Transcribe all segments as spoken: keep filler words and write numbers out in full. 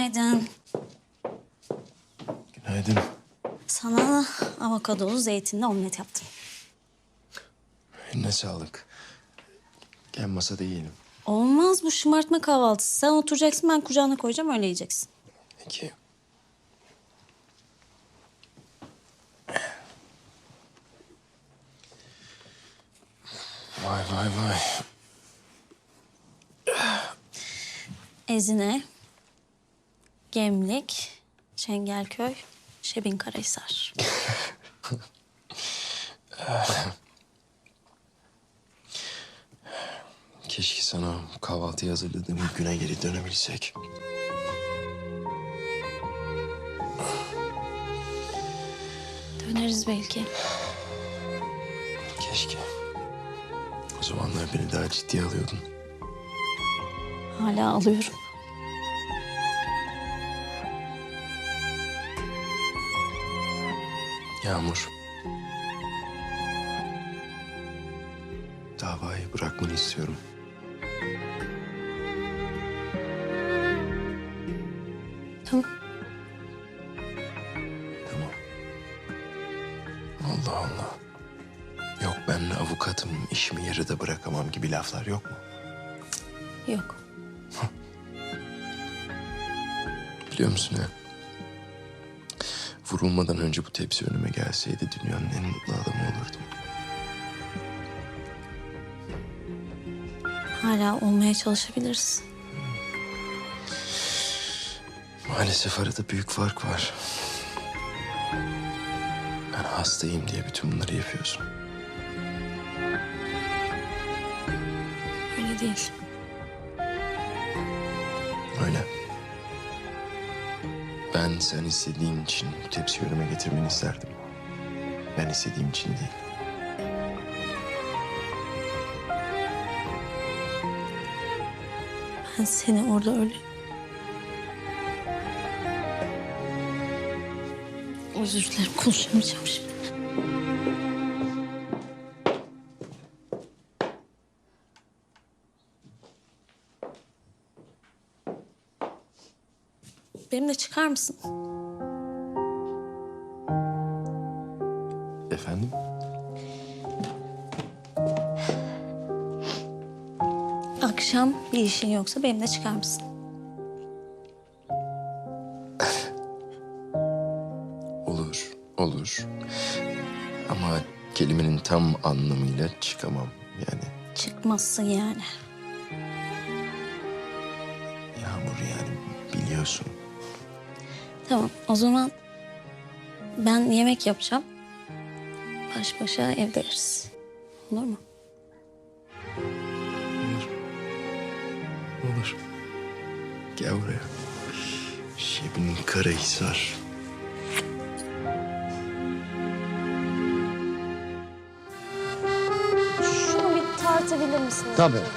Günaydın. Günaydın. Sana avokadolu zeytinli omlet yaptım. Eline sağlık. Gel masada yiyelim. Olmaz, bu şımartma kahvaltısı. Sen oturacaksın, ben kucağına koyacağım, öyle yiyeceksin. Peki. Vay vay vay. Ezine, Gemlik, Çengelköy, Şebinkarahisar. Keşke sana kahvaltıyı hazırladığım güne geri dönebilsek. Döneriz belki. Keşke. O zamanlar beni daha ciddiye alıyordun. Hala alıyorum. Yağmur. Davayı bırakmanı istiyorum. Tamam. Tamam. Allah Allah. Yok ben avukatım, işimi yarıda bırakamam gibi laflar yok mu? Yok. Biliyor musun ya? Vurulmadan önce bu tepsi önüme gelseydi dünyanın en mutlu adamı olurdum. Hala olmaya çalışabiliriz. Maalesef arada büyük fark var. Ben hastayım diye bütün bunları yapıyorsun. Öyle değil. Öyle. Ben sen istediğin için bu tepsiyi önüme getirmeni isterdim. Ben istediğim için değil. Ben seni orada öyle... Özür dilerim, konuşamayacağım şimdi. Benimle çıkar mısın? Efendim? Akşam bir işin yoksa benimle çıkar mısın? Olur, olur. Ama kelimenin tam anlamıyla çıkamam yani. Çıkmazsın yani. Yağmur yani biliyorsun. Tamam, o zaman ben yemek yapacağım. Baş başa evde yeriz. Olur mu? Olur. Olur. Gel buraya. Şebinkarahisar. Şunu bir tartabilir misiniz? Tabii. acaba?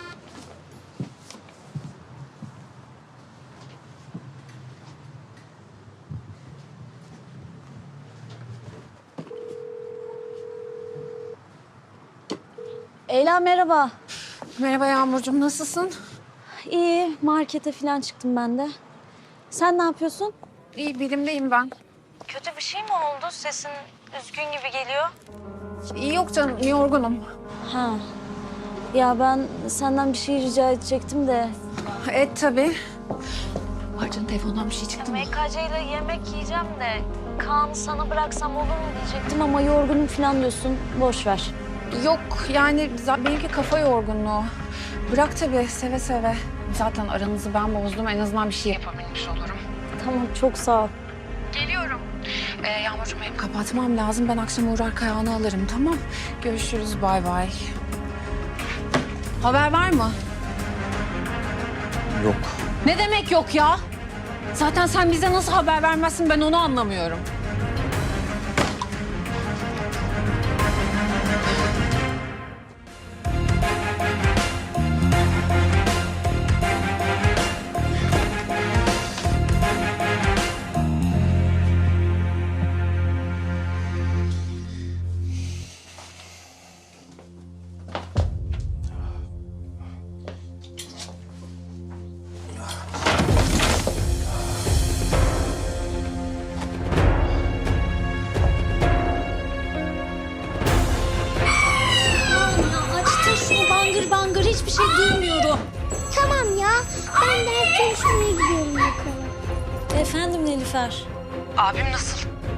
Leyla merhaba. Merhaba Yağmurcuğum, nasılsın? İyi, markete falan çıktım ben de. Sen ne yapıyorsun? İyi, bilimdeyim ben. Kötü bir şey mi oldu? Sesin üzgün gibi geliyor. İyi yok canım, yorgunum. Ha. Ya ben senden bir şey rica edecektim de. Et tabii. Pardon, telefondan bir şey çıktı mı? M K C ile yemek yiyeceğim de Kaan'ı sana bıraksam olur mu diyecektim ama yorgunum falan diyorsun. Boş ver. Yok, yani za- benimki kafa yorgunluğu. Bırak tabii, seve seve. Zaten aranızı ben bozdum, en azından bir şey yapabilmiş olurum. Tamam, çok sağ ol. Geliyorum. Ee, Yağmurcuğum, benim kapatmam lazım. Ben akşam uğrar Kayahan'ı alırım, tamam? Görüşürüz, bay bay. Haber var mı? Yok. Ne demek yok ya? Zaten sen bize nasıl haber vermezsin, ben onu anlamıyorum. bir şey duymuyorum. Tamam ya. Ben ders çalışmaya gidiyorum yukarı. Efendim Nilüfer. Abim nasıl?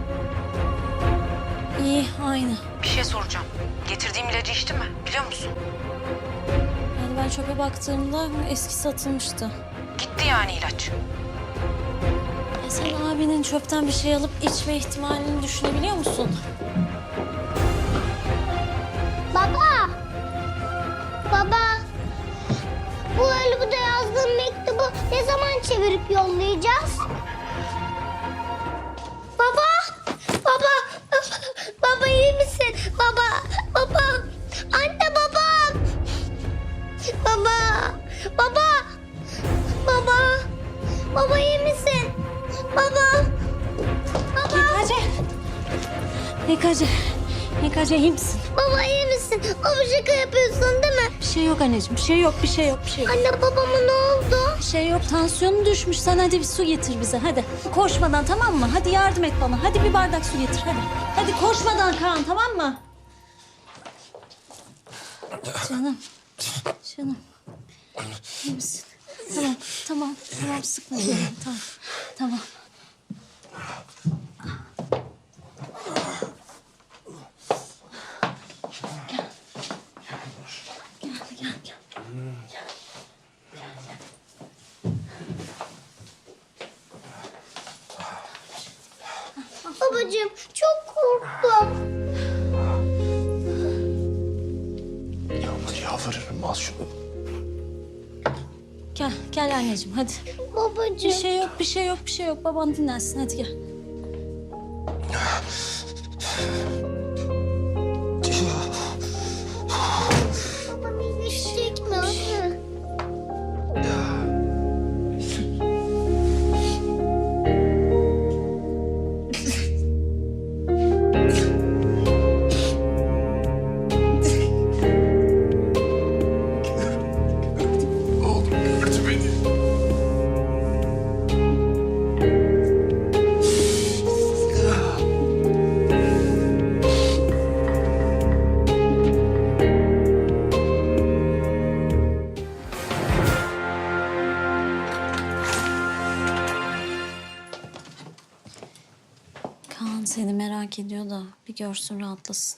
İyi, aynı. Bir şey soracağım. Getirdiğim ilacı içti mi? Biliyor musun? Yani ben çöpe baktığımda eski satılmıştı. Gitti yani ilaç. E sen abinin çöpten bir şey alıp içme ihtimalini düşünebiliyor musun? Baba. Baba. Bu Haluk'a yazdığım mektubu ne zaman çevirip yollayacağız? Baba. Baba. Baba iyi misin? Baba. Baba. Anne baba. Baba. Baba. Baba. Baba iyi misin? Baba. Baba. Yekacı. Yekacı. Yekacı iyi misin? Baba iyi misin? Baba şaka yapıyorsun değil mi? Bir şey yok anneciğim, bir şey yok, bir şey yok, bir şey yok. Anne babama ne oldu? Bir şey yok, tansiyonu düşmüş. Sen hadi bir su getir bize, hadi. Koşmadan, tamam mı? Hadi yardım et bana. Hadi bir bardak su getir, hadi. Hadi koşmadan Kaan, tamam mı? Canım, canım. İyi misin? Tamam, tamam, tamam. Sıkma canım, tamam, tamam. Gel, gel, gel. Babacığım çok korktum. Yağmur yalvarırım al şunu. Gel, gel anneciğim, hadi. Babacığım. Bir şey yok, bir şey yok, bir şey yok. Baban dinlensin, hadi gel. Babam iyileşecek mi anne? Oğlum gördü beni. Kaan seni merak ediyor da bir görsün rahatlasın.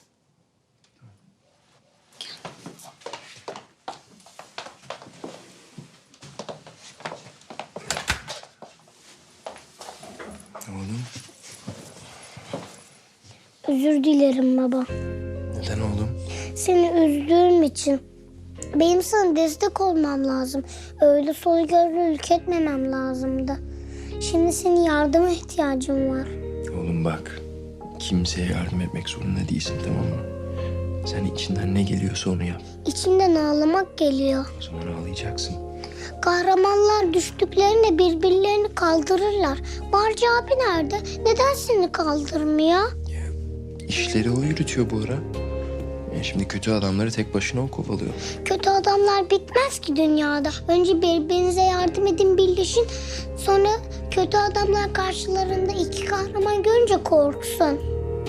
Oğlum Özür dilerim baba. neden oğlum? Seni üzdüğüm için. Benim sana destek olmam lazım. Öyle soygörlülük etmemem lazımdı. Şimdi senin yardıma ihtiyacım var. Oğlum bak kimseye yardım etmek zorunda değilsin tamam mı? Sen içinden ne geliyorsa onu yap. İçimden ağlamak geliyor. O zaman ağlayacaksın. Kahramanlar düştüklerinde birbirlerini kaldırırlar. Barcı abi nerede? Neden seni kaldırmıyor? İşleri o yürütüyor bu ara. Yani şimdi kötü adamları tek başına o kovalıyor. Kötü adamlar bitmez ki dünyada. Önce birbirinize yardım edin, birleşin. Sonra kötü adamlar karşılarında iki kahraman görünce korksun.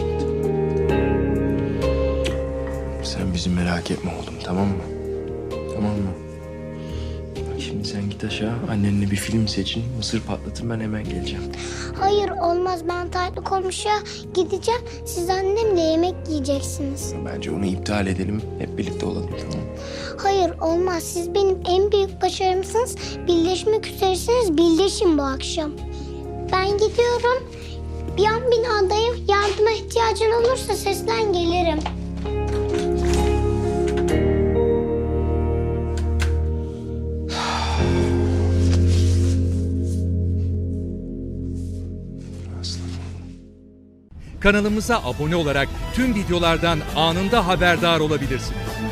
Sen bizi merak etme oğlum tamam mı? Tamam mı? Bak şimdi sen git aşağı annenle bir film seçin. Mısır patlatın ben hemen geleceğim. Hayır olmaz, ben Taytlı komşuya gideceğim. Siz annemle yemek yiyeceksiniz. Bence onu iptal edelim. Hep birlikte olalım tamam mı? Hayır olmaz, siz benim en büyük başarımsınız. Birleşmek üzeresiniz, birleşin bu akşam. Ben gidiyorum. Bir an binadayım. Yardıma ihtiyacın olursa seslen gelirim. Aslanım. Kanalımıza abone olarak tüm videolardan anında haberdar olabilirsiniz.